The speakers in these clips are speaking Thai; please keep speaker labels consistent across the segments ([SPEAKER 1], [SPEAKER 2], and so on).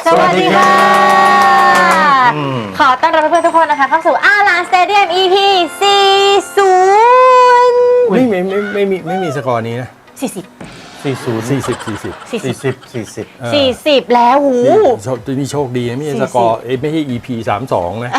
[SPEAKER 1] สวัสดีค่ะขอต้อนรับเพื่อนๆทุกคนนะคะเข้าสู่อาลานสเตเดียม EP 40
[SPEAKER 2] ไม่มีสกอร์นี้นะ
[SPEAKER 1] 40แล้วหู
[SPEAKER 2] นี่โชคดีนะไม่ใช่สกอร์ไม่ใช่ EP 32นะ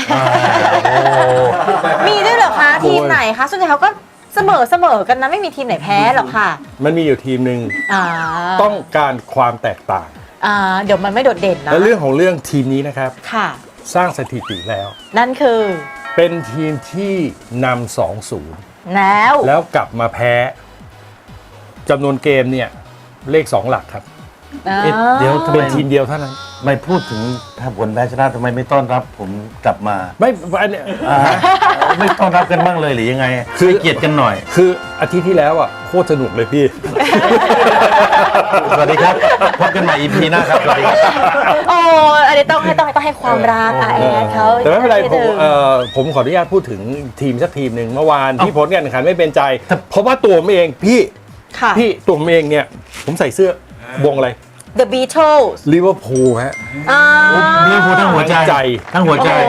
[SPEAKER 1] มีด้วยเหรอคะทีมไหนคะส่วนใหญ่เขาก็เสมอกันนะไม่มีทีมไหนแพ้หรอกค่ะ
[SPEAKER 2] มันมีอยู่ทีมหนึ่งต้องการความแตกต่าง
[SPEAKER 1] เดี๋ยวมันไม่โดดเด่นนะ
[SPEAKER 2] และเรื่องของเรื่องทีมนี้นะครับ
[SPEAKER 1] ค่ะ
[SPEAKER 2] สร้างสถิติแล้ว
[SPEAKER 1] นั่นคือ
[SPEAKER 2] เป็นทีมที่นำ 2-0 แล้วกลับมาแพ้จำนวนเกมเนี่ยเลข2หลักครับเดี๋ยวเป็นทีมเดียวเท่านั้น
[SPEAKER 3] ไม่พูดถึงถ้าผลแพ้ชนะทำไมไม่ต้อนรับผมกลับมา
[SPEAKER 2] ไม่อันเนี้ย
[SPEAKER 3] ไม่ต้อนรับกันบ้างเลยหรือยังไงคือเกียรติกันหน่อย
[SPEAKER 2] คืออาทิตย์ที่แล้วอ่ะโคตรสนุกเลยพี่
[SPEAKER 3] สวัสดีครับพบกันใหม่ EP หน้าครับสวัสดีครับ
[SPEAKER 1] โอ้อันนี้ต้องให้ความรักแอดเขา
[SPEAKER 2] แต่ไม่เป็นไรผมขออนุญาตพูดถึงทีมสักทีมหนึ่งเมื่อวานที่ผลการแข่งขันไม่เป็นใจเพราะว่าตัวผมเองพี่ตัวผมเองเนี่ยผมใส่เสื้อวงอะไร
[SPEAKER 1] The Beatles
[SPEAKER 2] ลิเวอร์พูลฮะ
[SPEAKER 3] ลิเวอร์พูลทั้งหัวใจทั้งหัวใจ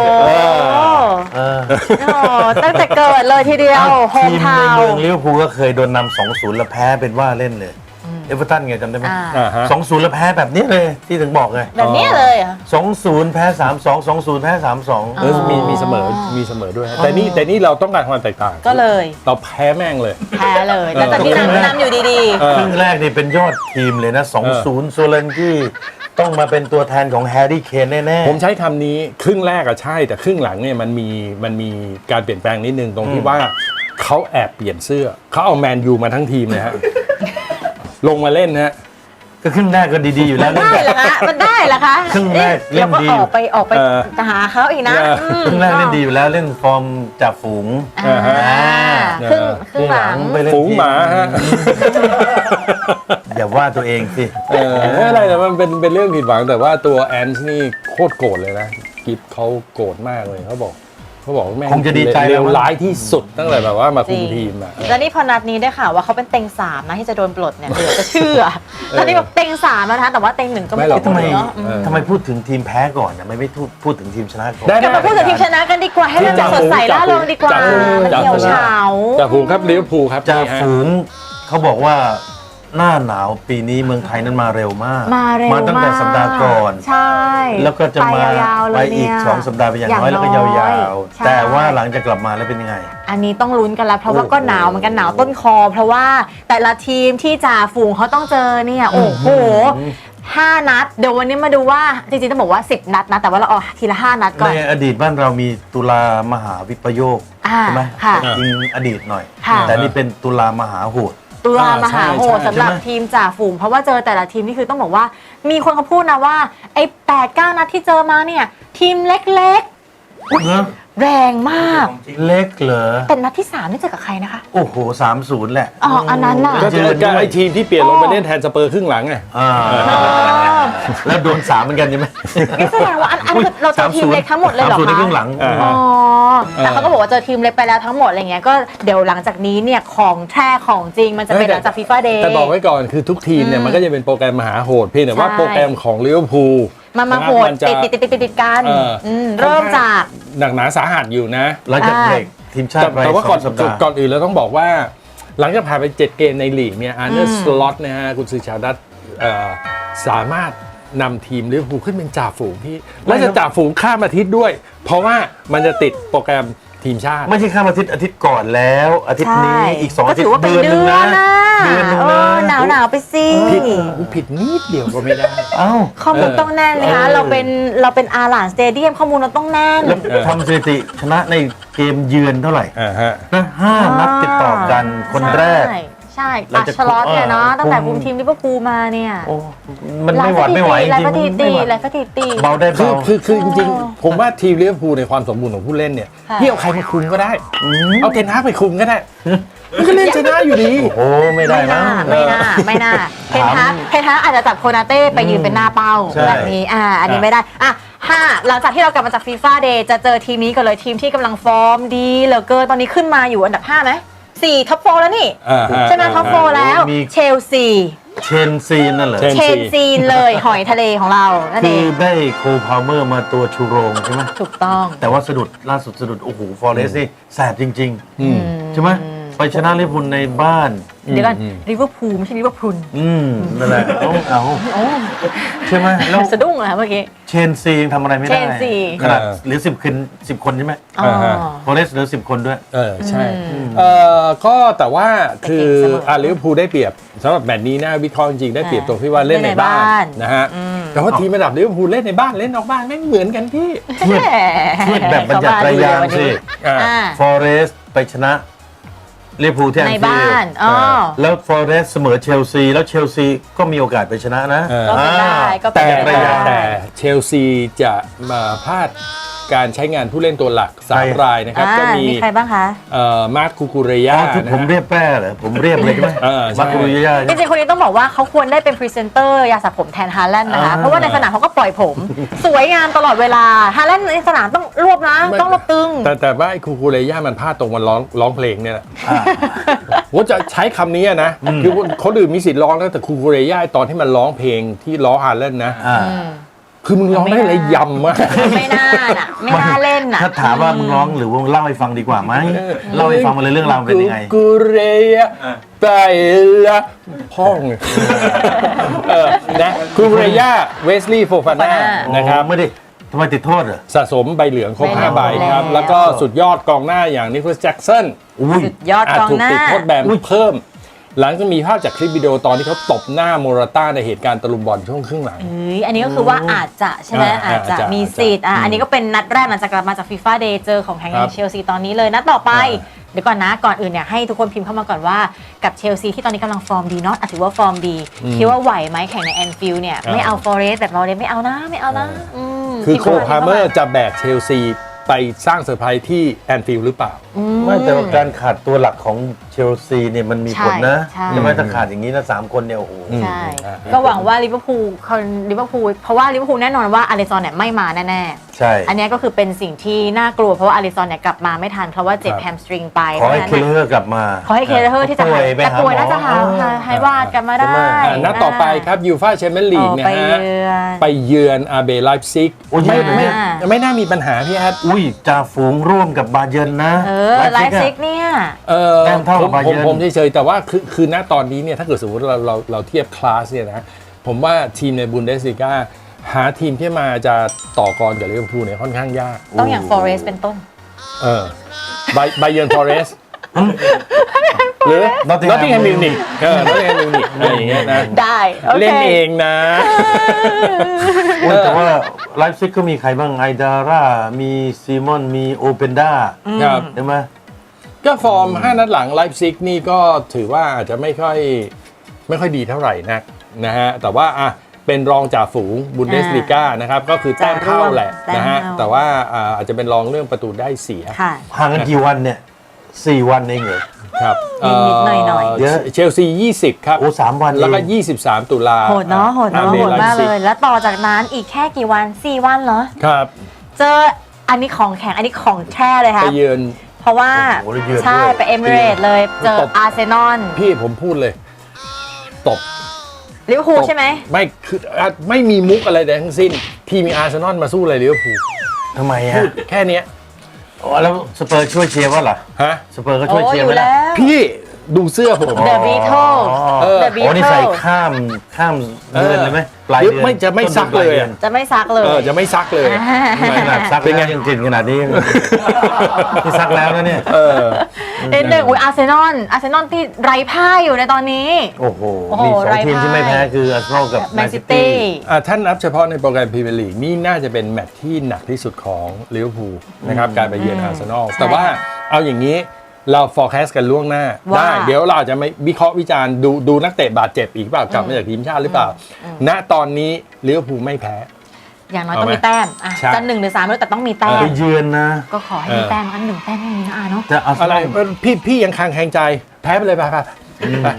[SPEAKER 1] ตั้งแต่เกิดเลยทีเดียวโฮมทาวน์
[SPEAKER 3] ทีมในเมืองลิเวอร์พูลก็เคยโดนนำ 2-0 แล้วแพ้เป็นว่าเล่นเลยเอเวอร์ตันไงจำได้ไหม2-0 แล้วแพ้แบบนี้เลยที่ถึงบอกไง
[SPEAKER 1] แบบนี้เลยอ่ะ
[SPEAKER 3] 2-0 แพ้ 3-2 2-0 แพ้ 3-2
[SPEAKER 2] มีเสมอด้วยแต่นี่เราต้องการความแตกต่าง
[SPEAKER 1] ก็เลย
[SPEAKER 2] เราแพ้แม่งเลย
[SPEAKER 1] แพ้เลยแล้วแต่ที่นำอยู่ดี
[SPEAKER 3] ๆครึ่งแรกนี่เป็นยอดทีมเลยนะ 2-0 โซเลนที่ต้องมาเป็นตัวแทนของแฮร์รี่เคนแน่
[SPEAKER 2] ๆผมใช้คำนี้ครึ่งแรกอะใช่แต่ครึ่งหลังเนี่ยมันมีการเปลี่ยนแปลงนิดนึงตรงที่ว่าเขาแอบเปลี่ยนเสื้อเขาเอาแมนยูมาทั้งทีมเลยฮะลงมาเล่นฮะ
[SPEAKER 3] ก็ครึ่งแรกก็ดีๆอยู่แล้ว
[SPEAKER 1] ได้เหรอคะมันได้เหรอคะ
[SPEAKER 3] ครึ่งแรกเล่นดี
[SPEAKER 1] ออกไปหาเขาอีกนะ
[SPEAKER 3] ครึ่งแรกเล่นดีอยู่แล้วเล่นฟอร์มจากฝูง
[SPEAKER 1] ครึ่งหลัง
[SPEAKER 2] ฝูงหมาฮะ
[SPEAKER 3] อย่าว่าตัวเองสิ
[SPEAKER 2] ไม่อะไรแต่มันเป็นเรื่องผิดหวังแต่ว่าตัวแอนส์นี่โคตรโกรธเลยนะกิฟเขาโกรธมากเลยเขาบอกแม่ง
[SPEAKER 3] คงจะดีใจ
[SPEAKER 2] เลวร้ายที่สุดตั้งแต่แบบว่ามาคุมทีมอ่ะ
[SPEAKER 1] แล้วนี่พอนัดนี้ได้ข่าวว่าเขาเป็นเต็ง3นะที่จะโดนปลดเนี่ยเดี๋ยวจะเชื่อตอนนี้แบบเต็ง3แล้วนะแต่ว่าเต็ง1ก็ไม่
[SPEAKER 3] หรอกทำไมพูดถึงทีมแพ้ก่อนนะไม่พูดถึงทีมชนะก่อน
[SPEAKER 1] เดี๋ยวมาพูดถึงทีมชนะกันดีกว่าให้มันสดใสร่าเริงดีกว่ามันเหี่ยวเฉา
[SPEAKER 2] จากฝูงครับลิเวอร์พูลครับ
[SPEAKER 3] จากฝูงเขาบอกว่าหน้าหนาวปีนี้เมืองไทยนั้นมาเร็วมากมาตั้งแต่สัปดาห์ก่อน
[SPEAKER 1] ใช่
[SPEAKER 3] แล้วก็จะมาไปอีก2สัปดาห์ไปอย่างน้อยแล้วก็ยาวๆแต่ว่าหลังจากกลับมาแล้วเป็นยังไง
[SPEAKER 1] อันนี้ต้องลุ้นกันแล้วเพราะว่าก็หนาวเหมือนกันหนาวต้นคอเพราะว่าแต่ละทีมที่จ่าฝูงเขาต้องเจอเนี่ยโอ้โห5 นัดเดี๋ยววันนี้มาดูว่าจริงๆต้องบอกว่า10 นัดนะแต่ว่าเราเอาทีละ5 นัดก่อน
[SPEAKER 3] ในอดีตบ้านเรามีตุลามหาวิปโยคใช่ไหมจริงอดีตหน่อยแต่นี่เป็นตุลามหาโหด
[SPEAKER 1] ตุลามหาโหดสำหรับทีมจ่าฝูงเพราะว่าเจอแต่ละทีมนี่คือต้องบอกว่ามีคนเขาพูดนะว่าไอ้8-9 นัดที่เจอมาเนี่ยทีมเล็กๆแรงมาก
[SPEAKER 3] เล็กเหรอ
[SPEAKER 1] แต่นัดที่3นี่เจอกับใครนะคะ
[SPEAKER 3] โอ้โห 3-0 แหละ
[SPEAKER 1] อันนั้นล่ะ
[SPEAKER 2] ก็เจอกับไอ้ทีมที่เปลี่ยนลงไปเล่นแทนสเปอร์ครึ่งหลังไง
[SPEAKER 3] แล้วโดน3เหมือนกันใช่ไหม
[SPEAKER 1] นี่แสดงว่าอันเราเจอทีมเล็กทั้งหมดเลยเหรอคะ
[SPEAKER 3] 3-0ในครึ่งหลัง
[SPEAKER 1] แต่เขาก็บอกว่าเจอทีมเล็กไปแล้วทั้งหมดอะไรเงี้ยก็เดี๋ยวหลังจากนี้เนี่ยของแท้ของจริงมันจะเป็นหลังจากฟีฟ่าเดย์
[SPEAKER 2] แต่บอกไว้ก่อนคือทุกทีมเนี่ยมันก็จะเป็นโปรแกรมมหาโหดเพียงแต่ว่าโปรแกรมของลิเวอร์พูล
[SPEAKER 1] มาโหดติดกันเริ่มจาก
[SPEAKER 2] หนักหนาสาหัสอยู่นะ
[SPEAKER 3] หลังจากเบรกทีมชาติ
[SPEAKER 2] แต่ว่าก่อนอื่นเราต้องบอกว่าหลังจากผ่านไป7 เกมในลีกเนี่ยอาร์เนสล็อตนะฮะกุนซือชาวดัตสามารถนำทีมลิเวอร์พูลขึ้นเป็นจ่าฝูงที่และจะจ่าฝูงข้ามอาทิตย์ด้วยเพราะว่ามันจะติดโปรแกรมทีมชาติ
[SPEAKER 3] ไม่ใช่ข้ามอาทิตย์ก่อนแล้วอาทิตย์นี้อีก2 อาทิตย์
[SPEAKER 1] เดือนนึงนะหนาวไปสิ
[SPEAKER 2] ผิดนิดเดียวก็ไม่ได้
[SPEAKER 1] ข้อมูลต้องแน่นเลยนะเราเป็นอาร์ลานสเตเดียมข้อมูลเราต้องแน่น
[SPEAKER 3] ทำสถิติชนะในเกมเยือนเท่าไหร่นะ5 นัดติดต่อกันคนแรก
[SPEAKER 1] ใช่อัชลอตเนี่ยเนาะตั้งแต่คุมทีมลิเวอร์พูลมาเนี่ย
[SPEAKER 3] มันไม่ไหวจริง
[SPEAKER 1] หลายสถิติ
[SPEAKER 3] เบาได้เบา
[SPEAKER 2] คือจริงๆผมว่าทีมลิเวอร์พูลในความสมบูรณ์ของผู้เล่นเนี่ยพี่เอาใครมาคุมก็ได้เอาเทนฮากไปคุมก็ได้มันก็เล่นชนะอยู่ดี
[SPEAKER 3] โอ้ไม่ได้นะ
[SPEAKER 1] ไม่น่าเทนฮากอาจจะจับโคนาเต้ไปยืนเป็นหน้าเป้าแบบนี้อันนี้ไม่ได้หลังจากที่เรากลับมาจากฟีฟ่าเดย์จะเจอทีมนี้กันเลยทีมที่กำลังฟอร์มดีเหลือเกินตอนนี้ขึ้นมาอยู่อันดับ5ไหม4ท็อป4แล้วนี่ใช่ไหมท็อป4แล้วเชลซี
[SPEAKER 3] เชนซีนั่นเหรอ
[SPEAKER 1] เชนซีนเลย หอยทะเลของเรานั่น
[SPEAKER 3] คื
[SPEAKER 1] เอ
[SPEAKER 3] อง ได้โคพาวเมอร์มาตัวชูโรงใช่ไหม
[SPEAKER 1] ถูกต้อง
[SPEAKER 3] แต่ว่าสะดุดล่าสุดสะดุดโอ้โหฟอเรสต์นี่แสบจริงๆใช่ไหมไปชนะลิเวอร์พูลในบ้าน
[SPEAKER 1] เดี๋ยวก่อนลิเวอร์พูลไม่ใช่ลิเวอร์พูล
[SPEAKER 3] นั่นแหละเอาใช่ไหมแล้ว
[SPEAKER 1] สะดุ้งเหรอเมื่อกี้
[SPEAKER 3] เชนซียังทำอะไรไม่ได้
[SPEAKER 1] เชนซี
[SPEAKER 3] ขนาดเหลือ10 คนใช่ไหม
[SPEAKER 1] อ๋อ
[SPEAKER 3] ฟอเรสต์เหลือ10 คนด้วย
[SPEAKER 2] ใช่ก็แต่ว่าคือ
[SPEAKER 1] แต่เก่งเสมอ
[SPEAKER 2] ลิเวอร์พูลได้เปรียบสำหรับแมตช์นี้นะวิเคราะห์จริงๆได้เปรียบตรงที่ว่าเล่นในบ้า
[SPEAKER 1] เล่นในบ้าน
[SPEAKER 2] นนะฮะแต่ว่าทีมระดับลิเวอร์พูลเล่นในบ้านเล่นนอกบ้านไม่เหมือนกันพี่
[SPEAKER 3] เทียบแบบบรรยัติระยางสิ
[SPEAKER 2] อ่า
[SPEAKER 1] อ่า
[SPEAKER 3] ฟอเรสต์ไปชนะลิเวอร์พูลที่แอ
[SPEAKER 1] ใน
[SPEAKER 3] นฟิล
[SPEAKER 1] บ้าน
[SPEAKER 3] ด์
[SPEAKER 1] อ๋อ
[SPEAKER 3] แล้วฟอเรสต์เสมอเชลซีแล้วเชลซีก็มีโอกาสไปชนะนะ
[SPEAKER 1] ก็เป็นได้ก็เป็น
[SPEAKER 3] แต่
[SPEAKER 1] ไป
[SPEAKER 3] ระ
[SPEAKER 1] ได้
[SPEAKER 3] ยะ
[SPEAKER 2] แต่เชลซีจะมาพลาดการใช้งานผู้เล่นตัวหลัก
[SPEAKER 3] ใคร
[SPEAKER 2] 3 รายนะครับ ก็มี
[SPEAKER 1] ใครบ้างคะ
[SPEAKER 2] มาร์คคูคูเรยา
[SPEAKER 3] ที่ผมเรียกแป้เหรอผมเรียกเลยใช่ไหม
[SPEAKER 2] ใช่
[SPEAKER 3] มาคุริยา
[SPEAKER 1] จริงๆ คนนี้ต้องบอกว่าเขาควรได้เป็นพรีเซนเตอร์ยาสระผมแทนฮาแลนด์นะคะ เพราะว่าในสนามเขาก็ปล่อยผม สวยงามตลอดเวลาฮาแลนด์ในสนามต้องรวบนะ ต้องรวบตึง
[SPEAKER 2] แต่ว่าไอ้คูคูเรยามันพลาดตรงวันร้องเพลงเนี่ยแหละผมจะใช้คำนี้นะคือเขาดื่มมีสิทธิ์ร้องนะแต่คูคูเรยาตอนที่มันร้องเพลงที่ล้อฮาเลนนะ คือมึงร้องได้อะไรยำมาก
[SPEAKER 1] ไม่น่าน่ะ ไม่น่าเล่นน่ะ
[SPEAKER 3] ถ้าถามว่ามึงร้องหรือว่าเล่าให้ฟังดีกว่าไหมเล่าให้ฟังมาเลยเรื่องราวเป็นยังไง
[SPEAKER 2] กูเรียไปละพ่องนะกูเรียเวสลีย์โฟฟาน่านะครับ
[SPEAKER 3] ไม่ได้ทำไมติดโทษเหรอ
[SPEAKER 2] สะสมใบเหลืองครบ
[SPEAKER 1] ใบเหลือง
[SPEAKER 2] 5 ใบครับ
[SPEAKER 1] แล้ว
[SPEAKER 2] แล้วก็สุดยอดกองหน้าอย่างนิโคลัสแจ็กสัน
[SPEAKER 1] สุดยอดกอง
[SPEAKER 2] ถูก
[SPEAKER 1] หน้า
[SPEAKER 2] ติดโทษแบนเพิ่ม หลังจากมีภาพจากคลิปวิดีโอตอนที่เขาตบหน้าโมราต้าในเหตุการณ์ตะลุมบอลช่วงครึ่งหลัง
[SPEAKER 1] อันนี้ก็คือว่าอาจจะใช่ไหม
[SPEAKER 2] อา
[SPEAKER 1] อาจ
[SPEAKER 2] จจะ
[SPEAKER 1] จะมีสิทธิ์อันนี้ก็เป็นนัดแรกหลังจากกลับมาจากฟีฟ่าเดย์เจอของแข่ง
[SPEAKER 2] ครับ
[SPEAKER 1] เชลซีตอนนี้เลยนัดต่อไป เดี๋ยวก่อนนะก่อนอื่นเนี่ยให้ทุกคนพิมพ์เข้ามาก่อนว่ากับเชลซีที่ตอนนี้กำลังฟอร์มดีเนาะถือว่าฟอร์มดีคิดว่าไหวไหมแข่งในแอนฟิลด์เนี่ยไม่เอาฟอเรสต์แบบเราเลยไม่เอานะไม่เอานะ
[SPEAKER 2] คือโค
[SPEAKER 1] พิพ์
[SPEAKER 2] พา
[SPEAKER 1] ข้
[SPEAKER 2] เมอร์จะแบกเชลซีไปสร้างเซอร์ไพรส์ที่แอนฟิลด์หรือเปล่า
[SPEAKER 3] ไม่แต่ว่าการขาดตัวหลักของเชลซีเนี่ยมันมีผลนะ
[SPEAKER 1] ใช่
[SPEAKER 3] ใช่ไหมถ้าขาดอย่างนี้นะ3 คนเนี่ยโอ้โห
[SPEAKER 1] ใช่ก็หวังว่าลิเวอร์พูลเพราะว่าลิเวอร์พูลแน่นอนว่าอาริซอนเนี่ยไม่มาแน่ๆ
[SPEAKER 3] ใช่
[SPEAKER 1] อันนี้ก็คือเป็นสิ่งที่น่ากลัวเพราะว่าอาริซอนเนี่ยกลับมาไม่ทันเพราะว่าเจ็บแฮมสตริงไป
[SPEAKER 3] ขอให้
[SPEAKER 1] พราะฉะ
[SPEAKER 3] เค
[SPEAKER 1] นั้น
[SPEAKER 3] เลอร์กลับมา
[SPEAKER 1] ขอให้เคเลอร์ที่จะ
[SPEAKER 3] ป่วยไป
[SPEAKER 1] แต่
[SPEAKER 3] หา
[SPEAKER 1] ป่วย
[SPEAKER 3] หมอ
[SPEAKER 1] น่าจะหายวาดกลับมาได้
[SPEAKER 2] นัดต่อไปครับยูฟ่าแชมเปี้ยนลีกนะ
[SPEAKER 1] ไป
[SPEAKER 2] ฮะ
[SPEAKER 1] เยือน
[SPEAKER 2] ไปเยือนอาเบไลฟ์ซิก
[SPEAKER 3] โอ้ย
[SPEAKER 2] ไม่น่ามีปัญหาพี่แอด
[SPEAKER 3] อุ้ยจ่าฝูงร่วมกับบาเยิร์นนะ
[SPEAKER 1] ไลฟ์ซิกเนี่ย
[SPEAKER 3] แต้มเท่ากับ
[SPEAKER 2] ผม
[SPEAKER 3] Bayern
[SPEAKER 2] เฉยๆแต่ว่าคือณตอนนี้เนี่ยถ้าเกิดสมมติเราเทียบคลาสเนี่ยนะผมว่าทีมในบุนเดสลิก้าหาทีมที่มาจะต่อกรกับลิเวอร์พูลเนี่ยค่อนข้างยาก
[SPEAKER 1] ต้องอย่างฟอเรสต์เป็นต้น
[SPEAKER 2] ไบเยิร์นฟอเรสหรือ
[SPEAKER 3] Nottingham
[SPEAKER 2] มิวนิกนอตติงแฮมมิวนิกอะไรอย่างเงี้ยนะ
[SPEAKER 1] ได้โอเค
[SPEAKER 2] เล่นเองนะ
[SPEAKER 3] โอ้ยแต่ว่าไลฟ์ซิกก็มีใครบ้างไอดาร่ามีซีมอนมีโอเปนดา
[SPEAKER 2] ครับ
[SPEAKER 3] ใช่ไหม
[SPEAKER 2] ก็ฟอร์ม 5 นัดหลังไลฟ์ซิกนี่ก็ถือว่าอาจจะไม่ค่อยดีเท่าไหร่นักนะฮะแต่ว่าเป็นรองจ่าฝูงบุนเดสลิก้านะครับก็คือแต้มเท่าแหละนะฮะแต่ว่าอาจจะเป็นรองเรื่องประตูได้เสีย
[SPEAKER 1] ค่ะ
[SPEAKER 3] ห่างกันกี่วันเนี่ย4 วันเองเหรอ
[SPEAKER 2] ครับ
[SPEAKER 1] นิดๆหน่อยๆ
[SPEAKER 3] เยอะ
[SPEAKER 2] เชลซี 20 ครับ
[SPEAKER 3] โอ้3 วันเอง
[SPEAKER 2] แล้วก็ 23 ตุลา
[SPEAKER 1] โหดเนาะโหด
[SPEAKER 2] อา
[SPEAKER 1] เนาะ
[SPEAKER 2] เบ
[SPEAKER 1] โหด
[SPEAKER 2] ไล
[SPEAKER 1] มาก
[SPEAKER 2] ฟ์ซิ
[SPEAKER 1] เล
[SPEAKER 2] ก
[SPEAKER 1] ย แล้วต่อจากนั้นอีกแค่กี่วัน 4 วันเหรอ
[SPEAKER 2] ครับ
[SPEAKER 1] เจออันนี้ของแข็งอันนี้ของแท้เลยค่ะ
[SPEAKER 2] ไปเยือน
[SPEAKER 1] เพราะว่า
[SPEAKER 3] โอ้โหแล้วเยือน
[SPEAKER 1] ใช่
[SPEAKER 3] ด้วย
[SPEAKER 1] ไปเอมิเรตส์เลยเจอ
[SPEAKER 2] ตบ
[SPEAKER 1] อาร์เซนอล
[SPEAKER 2] พี่ผมพูดเลย ตบ
[SPEAKER 1] ลิเวอร์พูลใช่ไหม
[SPEAKER 2] ไม่คือไม่มีมุกอะไรใดทั้งสิ้น ทีมมีอาร์เซนอลมาสู้อะไรลิเวอร์พูล
[SPEAKER 3] ทำไม
[SPEAKER 2] พู
[SPEAKER 3] ฮะ
[SPEAKER 2] ดแค่เนี้ย
[SPEAKER 3] โอ้แล้วสเปอร์ช่วยเชียร์ว่าล่ะ
[SPEAKER 2] ฮะ
[SPEAKER 3] สเปอร์ก็
[SPEAKER 1] โอ้
[SPEAKER 3] ช่วยเชี
[SPEAKER 1] อย
[SPEAKER 3] ร์ไหม
[SPEAKER 1] ยู่
[SPEAKER 3] ล่ะ
[SPEAKER 1] แล้ว
[SPEAKER 2] พี่ดูเสื้อผม
[SPEAKER 1] The Beatles
[SPEAKER 2] เออ
[SPEAKER 1] The
[SPEAKER 3] โอ้นี่ใส่
[SPEAKER 1] Beatles
[SPEAKER 3] ข้ามเดือนเลยไหมปลายเดือน
[SPEAKER 2] ไม่จะไม่ซักเลยอะ
[SPEAKER 1] จะไม่ซักเลย
[SPEAKER 2] จะไม่ซักเลย
[SPEAKER 3] ขนาดซักเป็นไงยังกลิ่นขนาดนี้ที่ซักแล้วนะเนี่ย
[SPEAKER 1] เอ็นหนึ่งอาร์เซนอลที่ไร้พ่ายอยู่ในตอนนี้
[SPEAKER 3] โอ้โห
[SPEAKER 1] โอ้โห
[SPEAKER 3] มี2
[SPEAKER 1] ไร้
[SPEAKER 3] ทีมที่ไม่แพ้คืออาร์เซนอลกับ
[SPEAKER 1] แม
[SPEAKER 3] แม
[SPEAKER 1] น
[SPEAKER 3] น
[SPEAKER 1] ซิ
[SPEAKER 3] ซิ
[SPEAKER 1] ตี้
[SPEAKER 3] ตี้
[SPEAKER 2] ท่านนับเฉพาะในโปรแกรมพรีเมียร์ลีกนี่น่าจะเป็นแมตช์ที่หนักที่สุดของลิเวอร์พูลนะครับการไปเยือนอาร์เซนอลแต่ว่าเอาอย่างนี้เรา forecast กันล่วงหน้า
[SPEAKER 1] ว่า
[SPEAKER 2] ได้เดี๋ยวเราอาจจะไม่วิเคราะห์วิจารณ์ดูนักเตะบาดเจ็บอีกเปล่ากลับมาจากทีมชาติหรือเปล่า ณตอนนี้ลิเวอร์พูลไม่แพ้
[SPEAKER 1] อย่างน้อย
[SPEAKER 2] เอา
[SPEAKER 1] ต้อง
[SPEAKER 2] ไหม
[SPEAKER 1] มีแต้มอ่ะ
[SPEAKER 2] ใช่
[SPEAKER 1] จะ1 หรือ 3ไม่รู้แต่ต้องมีแต้ม
[SPEAKER 3] ไปเยือนนะ
[SPEAKER 1] ก็ขอให้มีแต้มอัน1 แต้มไม่มีนะอาเนาะ
[SPEAKER 3] แต่อาร์เซ
[SPEAKER 2] อะไร
[SPEAKER 3] นอล
[SPEAKER 2] พี่ยังคางแข็งใจแพ้ไปเลยป่ะครับไป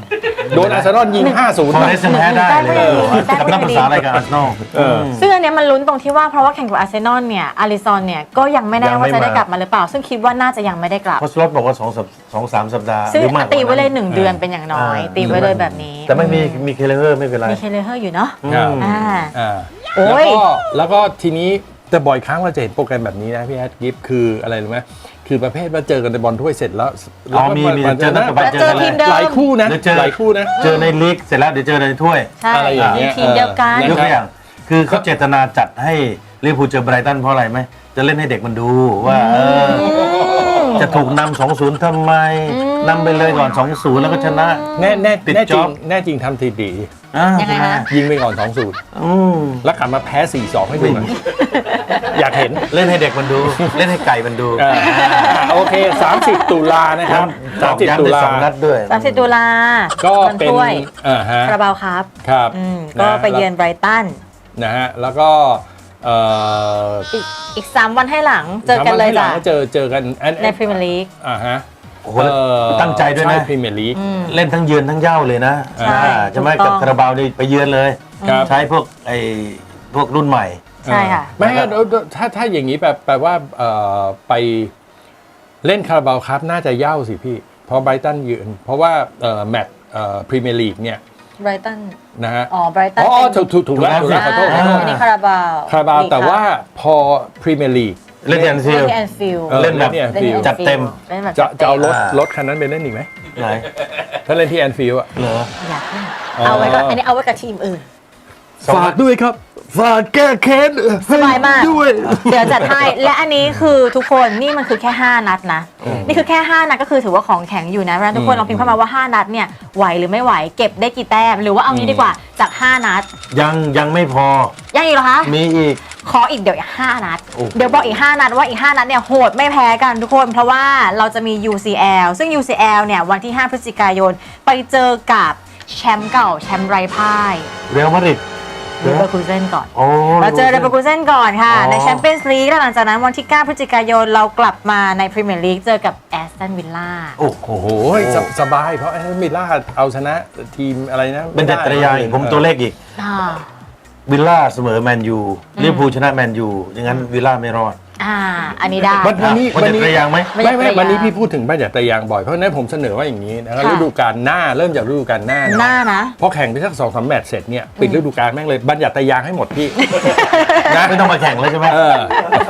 [SPEAKER 2] โดนอาร์เซนอลยิง 5-0
[SPEAKER 3] ฟอเรสต์แพ้ได้เลยกับนักภาษาอะไรกับอาร์เซนอล
[SPEAKER 1] ซึ่งอันเนี้ยมันลุ้นตรงที่ว่าเพราะว่าแข่งกับอาร์เซนอลเนี่ยอาริซอนเนี่ยก็ยังไม่แน่ว่าจะได้กลับมาหรือเปล่า ซึ่งคิดว่าน่าจะยังไม่ได้กลับ
[SPEAKER 3] เพราะสล็อตบอกว่า2-3 สัปดาห์
[SPEAKER 1] ซึ่ง
[SPEAKER 3] หรือมากกว่า
[SPEAKER 1] ตีไว้เลย
[SPEAKER 3] นั้น
[SPEAKER 1] 1 เดือนเป็นอย่างน้อย ตีไว้เลยแบบนี้
[SPEAKER 3] แต่ไม่มีเคเลเวอร์ไม่เป็นไร
[SPEAKER 1] มีเคเลเฮอร์อยู่เนาะ
[SPEAKER 2] ครับ
[SPEAKER 1] อ่า โอ้
[SPEAKER 2] แล้ว
[SPEAKER 1] ย
[SPEAKER 2] ก็ทีนี้แต่บ่อยครั้งเราจะเห็นโปรแกรมแบบนี้นะพี่แอดกิฟคืออะไรรู้ไหมคือประเภทว่าเจอกันในบอลถ้วยเสร็จแล้ว
[SPEAKER 3] อ๋อมีเจอนัดต่อไป
[SPEAKER 1] แล้วเจอทีมเดิม
[SPEAKER 2] หลายคู่นะ
[SPEAKER 3] เดี๋ยวเจอ
[SPEAKER 2] หลายคู่นะ
[SPEAKER 3] เจอในลีกเสร็จแล้วเดี๋ยวเจอในถ้วย
[SPEAKER 1] ใช่
[SPEAKER 2] อะไรอย่างเงี้ย
[SPEAKER 1] ทีมเดียวกัน
[SPEAKER 2] เออ
[SPEAKER 3] ยกตัวอย่างคือเขาเจตนาจัดให้ลิเวอร์พูลเจอไบรตันเพราะอะไรไหมจะเล่นให้เด็กมันดูว่าจะถูกนำ 2-0 ทำไมนำไปเลยก่อน 2-0 แล้วก็ชนะ
[SPEAKER 2] แน่
[SPEAKER 3] ติด
[SPEAKER 2] จ
[SPEAKER 3] จ็
[SPEAKER 2] ริ
[SPEAKER 3] อง บ
[SPEAKER 2] แน่จริงทำทีดี
[SPEAKER 1] ยังไงคะ
[SPEAKER 2] ยิงไปก่อน 2-0
[SPEAKER 3] อืม
[SPEAKER 2] แล้วกลับมาแพ้ 4-2 ให้ดูหน่อยอยากเห็น
[SPEAKER 3] เล่นให้เด็กมันดู เล่นให้ไก่มันดู
[SPEAKER 2] โอเค 30 ตุลานะครับ 30 ตุลา
[SPEAKER 3] สองนัดด้วย
[SPEAKER 1] 30 ตุลา
[SPEAKER 2] ก็
[SPEAKER 1] วัน
[SPEAKER 2] เป็น
[SPEAKER 1] ถ้วย
[SPEAKER 2] ฮะ
[SPEAKER 1] คาราบาวครับ
[SPEAKER 2] ครับ
[SPEAKER 1] ก็ไปเยือนไบรตัน
[SPEAKER 2] นะฮะแล้วก็เอ่อ
[SPEAKER 1] อีก 3 วันให้หลังเจอกันเลยจ้ะ
[SPEAKER 2] สามวันให้หงก็เจอกัน
[SPEAKER 1] ในพรีเมียร์ลีก
[SPEAKER 2] ฮะ
[SPEAKER 3] โอ้โหตั้งใจด้วยนะ
[SPEAKER 2] ใช่พรีเมียร์ลีก
[SPEAKER 3] เล่นทั้งเยือนทั้งเย้าเลยนะ
[SPEAKER 1] ใช่
[SPEAKER 3] ใช่ไหม
[SPEAKER 1] ถูกต้
[SPEAKER 3] กั
[SPEAKER 1] อบ ง
[SPEAKER 3] คาราบาวนี่ไปเยือนเลย
[SPEAKER 2] ครับ
[SPEAKER 3] ใช้พวกพวกรุ่นใหม่
[SPEAKER 1] ใช่ค่ะ
[SPEAKER 2] ไม่งั้นถ้าอย่างนี้แปลว่าไปเล่นคาราบาวครับน่าจะเย่าสิพี่ เพราะไบรตันยืนเพราะว่าแมตช์พรีเมียร์ลีกเนี่ย
[SPEAKER 1] ไบรตัน
[SPEAKER 2] นะฮะ
[SPEAKER 1] อ๋อไบรตัน
[SPEAKER 2] อ๋อ
[SPEAKER 1] เป็น
[SPEAKER 2] ถูกแล้วขอโทษ
[SPEAKER 1] อันนี้คาราบาว
[SPEAKER 2] คาราบาวแต่ว่าพอพรีเมียร์ลีก
[SPEAKER 3] เล่นที่แอนฟิ
[SPEAKER 1] เล่
[SPEAKER 3] ล
[SPEAKER 1] น
[SPEAKER 3] ด์
[SPEAKER 1] ที่แอนฟิลด์
[SPEAKER 3] เล่นแบบ
[SPEAKER 2] ที่แอนฟิลด์
[SPEAKER 3] จัดเต็ม
[SPEAKER 1] เล่นแบบ
[SPEAKER 2] จะเอารถ
[SPEAKER 3] อ่าร
[SPEAKER 2] รถคันนั้นไปเล่นอีกไหม
[SPEAKER 3] ไหน
[SPEAKER 2] ถ้าเล่นที่แอนฟิลด์อะ
[SPEAKER 3] เหรอ
[SPEAKER 1] อยากเล่นเอาไว้ก็อันนี้เอาไว้กับทีมอื่น
[SPEAKER 2] ฝากด้วยครับ ฝากแก้แค้น
[SPEAKER 1] สบายมาก
[SPEAKER 2] ด้วย
[SPEAKER 1] เดี๋ยวจัดให้ และอันนี้คือทุกคนนี่มันคือแค่ 5 นัดนะ นี่คือแค่ 5 นัดก็คือถือว่าของแข็งอยู่นะเพราะฉะนั้นทุกคนลองพิมพ์เข้ามาว่า 5 นัดเนี่ยไหวหรือไม่ไหวเก็บได้กี่แต้มหรือว่าเอางี้ดีกว่าจาก 5 นัด
[SPEAKER 3] ยังไม่พอ
[SPEAKER 1] ยังอีกเหรอคะ
[SPEAKER 3] มีอีก
[SPEAKER 1] ขออีกเดี๋ยวอีก 5 นัด
[SPEAKER 3] โอ้
[SPEAKER 1] เดี๋ยวบอกอีก 5 นัดว่าอีก 5 นัดเนี่ยโหดไม่แพ้กันทุกคน เพราะว่าเราจะมี UCL ซึ่ง UCL เนี่ยวันที่ 5 พฤศจิกายนไปเจอกับแชมป์เก่าแชมป์ไร้พ่าย
[SPEAKER 3] เรอัลมาดริด
[SPEAKER 1] เลเวอร์คูเซนก่อน
[SPEAKER 3] โอ้
[SPEAKER 1] เราเจอเรเวอร์คูเซนก่อนค่ะ
[SPEAKER 3] อ๋อ
[SPEAKER 1] ในแชมเปี้ยนส์ลีกแล้วหลังจากนั้นวันที่ 9 พฤศจิกายนเรากลับมาในพรีเมียร์ลีกเจอกับแอสตันวิลล่า
[SPEAKER 3] โอ้โห
[SPEAKER 2] โอ้โหสบายเพราะแอสตันวิลล่าเอาชนะทีมอะไรนะ
[SPEAKER 3] เป็นเด็ดตระยางอีกผมตัวเลขอีก วิลล่าเสมอแมนยูลิเวอร์พูลชนะแมนยูอย่างนั้นวิลล่าไม่รอด
[SPEAKER 1] อันนี้ได้
[SPEAKER 2] วันนี้
[SPEAKER 3] มันเด็ดตระยางไหม
[SPEAKER 1] ไม่
[SPEAKER 2] ไม่
[SPEAKER 1] ได้
[SPEAKER 2] วันนี้พี่พูดถึงบัญญัติยางบ่อยเพราะฉะนั้นผมเสนอว่าอย่างนี้นะครับ
[SPEAKER 1] ค่ะ
[SPEAKER 2] ฤดูกาลหน้าเริ่มจากฤดูกาลหน้า
[SPEAKER 1] หน้านะ
[SPEAKER 2] พอแข่งไปสัก2-3 แมตช์เสร็จเนี่ยปิดฤดูกาลแม่งเลยบัญญัติยางให้หมดพี่ นะ
[SPEAKER 3] ไม่ต้องมาแข่งแล้วใช่ไหม
[SPEAKER 2] เออ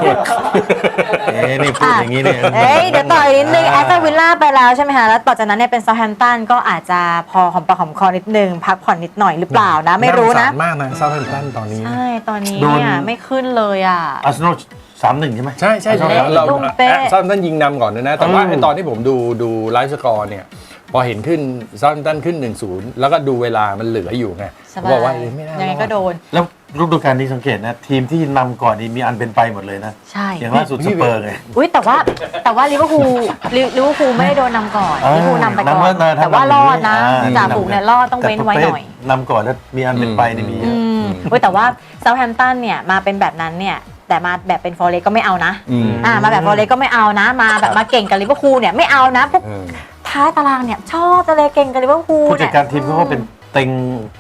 [SPEAKER 3] นี่พูดอย่างนี้เนี่ย
[SPEAKER 1] เอ้ยเดี๋ยวต่ออีกนิดนึงแอสตันวิลล่าไปแล้วใช่ไหมคะแล้วต่อจากนั้นเนี่ยเป็นเซาท์แฮมป์ตันก็อาจจะพอหอมปากหอมคอนิดนึงพักผ่อนนิดหน่อยหรือเปล่านะไม่รู้นะ
[SPEAKER 2] าสงสามากนะเซาท์แฮมป์ตันตอนนี้
[SPEAKER 1] ใช่ตอนนี้
[SPEAKER 3] โดน
[SPEAKER 1] เนี่ยไม่ขึ้นเลยอ่ะ
[SPEAKER 3] อาร์เซนอล3-1 ใช่ไหม
[SPEAKER 2] ใช่ใช่
[SPEAKER 1] เละ
[SPEAKER 2] เรา
[SPEAKER 1] ตุ้มเป๊ะ
[SPEAKER 2] เซาท์แฮมป์ตันยิงนำก่อนนะแต่ว่าไอ้ตอนที่ผมดูไลฟ์สกอร์เนี่ยพอเห็นขึ้นเซาท์แฮมป์ตันขึ้น 1-0 แล้วก็ดูเวลามันเหลืออยู่ไง
[SPEAKER 1] สบาย
[SPEAKER 2] บอกว่าไม่ได้
[SPEAKER 1] ยังไงก็โดน
[SPEAKER 3] แล้วฤดูกาลนี้สังเกตนะทีมที่นำก่อนนี่มีอันเป็นไปหมดเลยนะ
[SPEAKER 1] ใช่
[SPEAKER 3] อย่างล่าสุดสเปอร์ไง
[SPEAKER 1] อุ้ยแต่ว่าลิเวอร์พูลไม่ได้โดนนำก่อน
[SPEAKER 3] เออ
[SPEAKER 1] ลิเวอร์พูลนำไปก่อน
[SPEAKER 3] นำ
[SPEAKER 1] แต่ว่ารอดนะ
[SPEAKER 3] อ่า
[SPEAKER 1] จ่าฝูงเนี่ยรอดต้องเว้นไว้หน่อย
[SPEAKER 3] แต่ประเภทนำก่อนแล้วมีอันเป็นไปนี่มีเยอะ
[SPEAKER 1] อุ้ยแต่ว่าเซาท์แฮมป์ตันเนี่ยมาเป็นแบบนั้นเนี่ยแต่มาแบบเป็นฟอร์เรสก็ไม่เอานะ
[SPEAKER 2] อืม
[SPEAKER 1] มาแบบฟอร์เรสก็ไม่เอานะมาแบบมาเก่งกับลิเวอร์พูลเนี่ยไม่เอานะพวก
[SPEAKER 2] เออ
[SPEAKER 1] ท้ายตารางเนี่ยชอบจะเลยเก่งกับลิเวอร์พูล
[SPEAKER 3] ผู้จั
[SPEAKER 1] เนี่
[SPEAKER 3] ด
[SPEAKER 1] ย
[SPEAKER 3] การทีมเขาก็เป็นเต็ง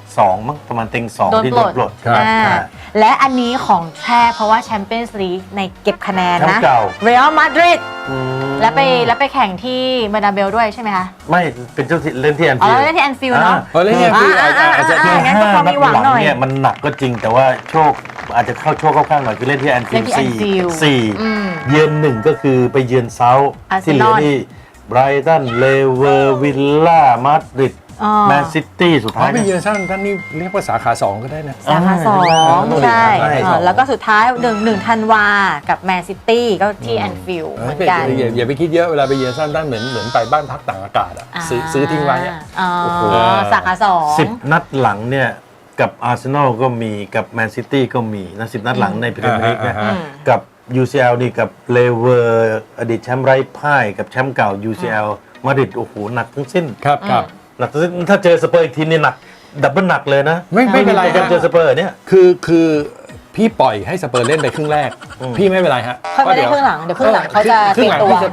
[SPEAKER 3] 2มั้งประมาณเต็ง2
[SPEAKER 1] โดน
[SPEAKER 3] ที่
[SPEAKER 1] ป
[SPEAKER 3] โด
[SPEAKER 1] ล
[SPEAKER 3] น
[SPEAKER 1] ด
[SPEAKER 3] ปลด
[SPEAKER 2] ครับ
[SPEAKER 1] และอันนี้ของแท้เพราะว่าแชมเปี้ยนส์ลีกในเก็บคะแนน
[SPEAKER 3] แชม
[SPEAKER 1] นะ
[SPEAKER 3] ป์เก่า
[SPEAKER 1] เรอัลมาดริด
[SPEAKER 3] อืม
[SPEAKER 1] แล้วไปแข่งที่เบอร์นาเบลด้วยใช่ไหมคะ
[SPEAKER 3] ไม่เป็นเจ้าที่เล่นที่แอน
[SPEAKER 1] อ๋อ
[SPEAKER 3] ฟิลด์
[SPEAKER 1] เล่นที่แอนฟิลด์เนาะ
[SPEAKER 2] เออแล้วเนี่ยคืออาจจะ
[SPEAKER 1] งั้นก็พอมีหวังหน่อย
[SPEAKER 3] เนี่ยมันหนักก็จริงแต่ว่าโชคอาจจะเข้าโชคเข้าข้างหน่อยคือเล่นที่แอนฟิลด์
[SPEAKER 1] เล่นที่ Anfield
[SPEAKER 3] สี่
[SPEAKER 1] อืม
[SPEAKER 3] เยือน1ก็คือไปเยือนเซาท์
[SPEAKER 1] อาร์เซ
[SPEAKER 3] ที่เห
[SPEAKER 1] น
[SPEAKER 3] ลื
[SPEAKER 1] อ
[SPEAKER 3] อ
[SPEAKER 1] ล
[SPEAKER 3] นี่ไบรตันเลเวอร์วิลล่ามาดริด
[SPEAKER 1] อ๋อ
[SPEAKER 3] แมนซิตี้สุด
[SPEAKER 2] อ๋อ
[SPEAKER 3] ท้าย
[SPEAKER 2] ไป
[SPEAKER 3] เนี่ย
[SPEAKER 2] เยือนเซาท์แฮมป์ตันนี่เรียกว่าสาขา 2 ก็ได้นะ
[SPEAKER 1] สาขาสอง
[SPEAKER 2] ใช่
[SPEAKER 1] ใช่
[SPEAKER 2] ใช่
[SPEAKER 1] แล้วก็สุดท้าย1ธันวากับแมนซิตี้ก็ที่แอนฟิลด์เหมือนกัน
[SPEAKER 2] อย่าไปคิดเยอะเวลาไปเยือนเซาท์แฮมป์ตันเหมือนไปบ้านพักต่างอากาศอะซื้อทิ้งไว้อะ
[SPEAKER 1] อ๋อ
[SPEAKER 2] โอ้โห
[SPEAKER 1] สาขาสอง
[SPEAKER 3] 10 นัดหลังเนี่ยกับอาร์เซนอลก็มีกับแมนซิตี้ก็มีนะ10 นัดหลังในพรีเมียร์ลีกนะ กับ UCL นี่กับเลเวอร์อดีตแชมป์ไร้พ่ายกับแชมป์เก่า UCL มาดริดโอ้โหหนักทั้งสิ้น
[SPEAKER 2] ครับครับ
[SPEAKER 3] หนักทั้งสิ้นถ้าเจอสเปอร์อีกทีนี่หนักดับเบิลหนักเลยนะ
[SPEAKER 2] ไม่เป็นไร
[SPEAKER 3] การ
[SPEAKER 2] ฮะ
[SPEAKER 3] เจอสเปอร์เนี่ย
[SPEAKER 2] คือพี่ปล่อยให้สเปอร์เล่นไปครึ่งแรก พี่ไม่เป็นไรฮะ
[SPEAKER 1] เขาไม่ได้ครึ่งหลังเดี๋ยวครึ่งหลังเขาจะ
[SPEAKER 2] ครึ่งหลัง
[SPEAKER 1] เตรียมตัว
[SPEAKER 2] พี่สปีด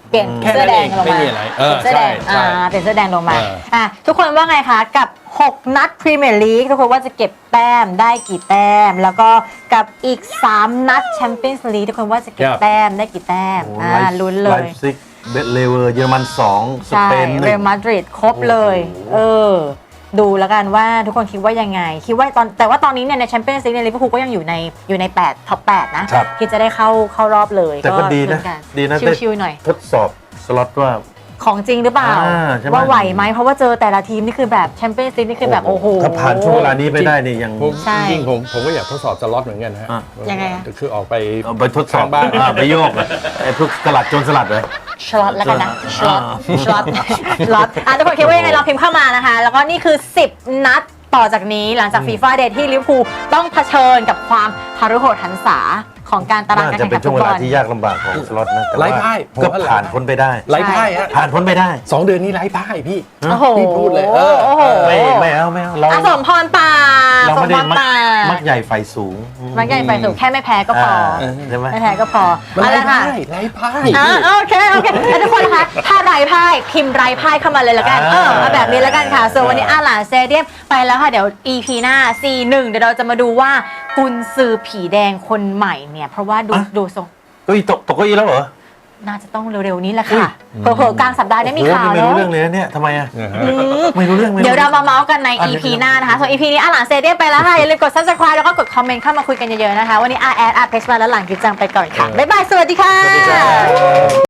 [SPEAKER 1] เปลี่ยน
[SPEAKER 2] แค่
[SPEAKER 1] เสื้
[SPEAKER 2] นั้
[SPEAKER 1] อน แด
[SPEAKER 2] เอง ง
[SPEAKER 1] ลง
[SPEAKER 2] ไม่
[SPEAKER 1] มา
[SPEAKER 2] มีอะไร
[SPEAKER 1] เปลี่ยนเสื้อแดง
[SPEAKER 2] ใช่
[SPEAKER 1] เปลี่ยนเสื้อแดงลงมา
[SPEAKER 2] เออ
[SPEAKER 1] ทุกคนว่าไงคะกับ 6 นัดพรีเมียร์ลีกทุกคนว่าจะเก็บแต้มได้กี่แต้ม แล้วก็กับอีก 3 นัดแชมเปี้ยนส์ลีกทุกคนว่าจะเก็บแต้มได้กี่แต้มลุ้นเล
[SPEAKER 3] ไล
[SPEAKER 1] ย
[SPEAKER 3] ฟ์ซิกเบตเลเวอร์เยอรมัน2ส
[SPEAKER 1] ใช่
[SPEAKER 3] เปน
[SPEAKER 1] เรอัลมาดริดครบเลย
[SPEAKER 3] โอ้โห
[SPEAKER 1] ดูแล้วกันว่าทุกคนคิดว่ายังไง คิดว่าแต่ว่าตอนนี้เนี่ยในแชมเปี้ยนส์ลีกในลิเวอร์พูลก็ยังอยู่ใน8ท็อป8นะครับ คิดจะได้เข้ารอบเลย
[SPEAKER 3] แต่ก็ดีนะ
[SPEAKER 1] ลุ้กั
[SPEAKER 3] ดีนะ
[SPEAKER 1] ชิวๆหน่อย
[SPEAKER 3] ทดสอบสล็อตว่า
[SPEAKER 1] ของจริงหรือเปล่า
[SPEAKER 3] ใช่ไหม
[SPEAKER 1] ว่าไหวไหมเพราะว่าเจอแต่ละทีมนี่คือแบบแชมเปี้ยนส์ลีกนี่คือแบบโอ้โห
[SPEAKER 3] ถ้าผ่านช่วงเวลานี้ไปได้นี่ยัง
[SPEAKER 2] ผม
[SPEAKER 1] ใช่
[SPEAKER 2] จริงๆผมก็อยากทดสอบสล็อตเหมือนกันฮะ
[SPEAKER 3] อ่ะ
[SPEAKER 1] ยังไงอะ
[SPEAKER 2] คือออกไป
[SPEAKER 3] เอาไปทดสอบ
[SPEAKER 2] ข้างบ้าน
[SPEAKER 3] ไปโยกเลยไอ้พวกสลัดโจรสลัดเลย
[SPEAKER 1] ชลอตแล้วกันนะชลอต
[SPEAKER 3] อ่า
[SPEAKER 1] ชลอตชลอตทุกคนคิดว่ายังไงลองพิมพ์เข้ามานะคะ แล้วก็นี่คือ 10 นัดต่อจากนี้หลังจากฟีฟ่าเดย์ที่ลิเวอร์พูลต้องเผชิญกับความหฤโหดหันษาของการตาราง
[SPEAKER 3] น่า
[SPEAKER 1] การ
[SPEAKER 3] จะ
[SPEAKER 1] แข่ง
[SPEAKER 3] เป็
[SPEAKER 1] ขั
[SPEAKER 3] น
[SPEAKER 1] น
[SPEAKER 3] ช่
[SPEAKER 1] ฟุ
[SPEAKER 3] วง
[SPEAKER 1] ต
[SPEAKER 3] เว
[SPEAKER 1] บอ
[SPEAKER 3] ลา
[SPEAKER 1] ล
[SPEAKER 3] ที่ยากลำบากของสล็อตนะแต่
[SPEAKER 2] ไร้
[SPEAKER 3] ว่า
[SPEAKER 2] พ่ายผม
[SPEAKER 3] ก็
[SPEAKER 2] ว่า
[SPEAKER 3] ผ่านพ้นไปได้
[SPEAKER 2] ไร้พ่ายฮะ
[SPEAKER 3] ผ่านพ้นไปได้
[SPEAKER 2] 2 เดือนนี้ไร้พ่ายพี่
[SPEAKER 1] โอ้โห
[SPEAKER 2] พี่พูดเลย
[SPEAKER 1] โอ้โห
[SPEAKER 3] ไม่เอาเรา
[SPEAKER 1] อ่ะสมพรป่า
[SPEAKER 3] เรา
[SPEAKER 1] สม
[SPEAKER 3] ไม่ได้
[SPEAKER 1] พรป่า
[SPEAKER 3] มักใหญ่ไฟสูง
[SPEAKER 1] มักใหญ่ไปสูงแค่ไม่แพ้ก็พอ
[SPEAKER 3] ใช่ไหม
[SPEAKER 1] ไม่แพ้ก็พอ
[SPEAKER 2] มัน
[SPEAKER 1] เอา
[SPEAKER 2] ไร้
[SPEAKER 1] ละค่ะ
[SPEAKER 2] พ่ายไร้พ่าย
[SPEAKER 1] โอเคแล้วทุกคนนะคะถ้าไร้พ่ายพิมพ์ไร้พ่ายเข้ามาเลยละกันเอาแบบนี้ละกันค่ะส่วนวันนี้อาหลานสเตเดียมไปแล้วค่ะเดี๋ยว EP หน้า C1 เดี๋ยวเราจะมาดูว่ากุนซือผีแดงคนใหม่เนี่ยเพราะว่าดูทรง
[SPEAKER 3] ก็อีตกเก้าอี้แล้วเหรอ
[SPEAKER 1] น่าจะต้องเร็วๆนี้แหละค่ะเผลอๆกลางสัปดาห์ได้มีข่าว
[SPEAKER 3] โอ้โหนี่ไม่รู้
[SPEAKER 1] เนาะ
[SPEAKER 3] เรื่องเลยนะเนี่ยทำไมอ่ะ
[SPEAKER 2] นะฮะ
[SPEAKER 1] อืม
[SPEAKER 3] ไม่รู้เรื่อง
[SPEAKER 1] เดี๋ยวเรามาเมาส์กันใน EP หน้านะคะส่วน EP นี้อาหลานสเตเดียมไปแล้วค่ะอย่าลืมกด subscribe แล้วก็กดคอมเมนต์เข้ามาคุยกันเยอะๆนะคะวันนี้อาแอดอาเพชมาแล้วหลังกิจจังไปก่อนค่ะบ๊ายบายสวัสดีค่ะ
[SPEAKER 3] สวัสดีครับ